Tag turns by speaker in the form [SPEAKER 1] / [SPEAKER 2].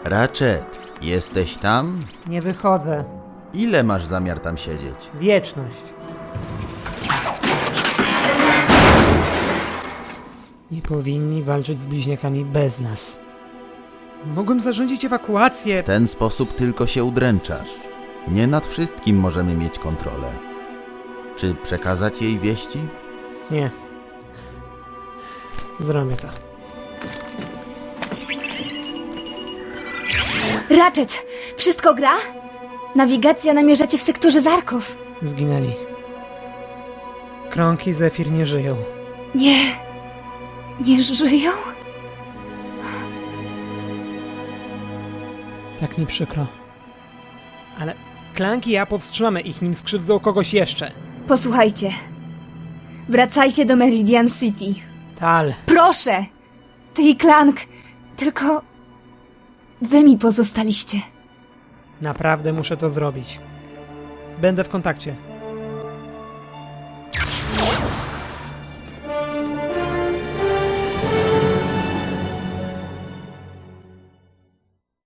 [SPEAKER 1] Ratchet, jesteś tam?
[SPEAKER 2] Nie wychodzę.
[SPEAKER 1] Ile masz zamiar tam siedzieć?
[SPEAKER 2] Wieczność. Nie powinni walczyć z bliźniakami bez nas. Mogłem zarządzić ewakuację.
[SPEAKER 1] W ten sposób tylko się udręczasz. Nie nad wszystkim możemy mieć kontrolę. Czy przekazać jej wieści?
[SPEAKER 2] Nie. Zrobię to.
[SPEAKER 3] Ratchet, wszystko gra? Nawigacja namierza cię w sektorze Zarków.
[SPEAKER 2] Zginęli. Krąg i Zefir nie żyją.
[SPEAKER 3] Nie żyją?
[SPEAKER 2] Tak mi przykro. Ale Klank i ja powstrzymamy ich, nim skrzywdzą kogoś jeszcze.
[SPEAKER 3] Posłuchajcie. Wracajcie do Meridian City.
[SPEAKER 2] Tal.
[SPEAKER 3] Proszę! Ty i Klank. Tylko... wy mi pozostaliście.
[SPEAKER 2] Naprawdę muszę to zrobić. Będę w kontakcie.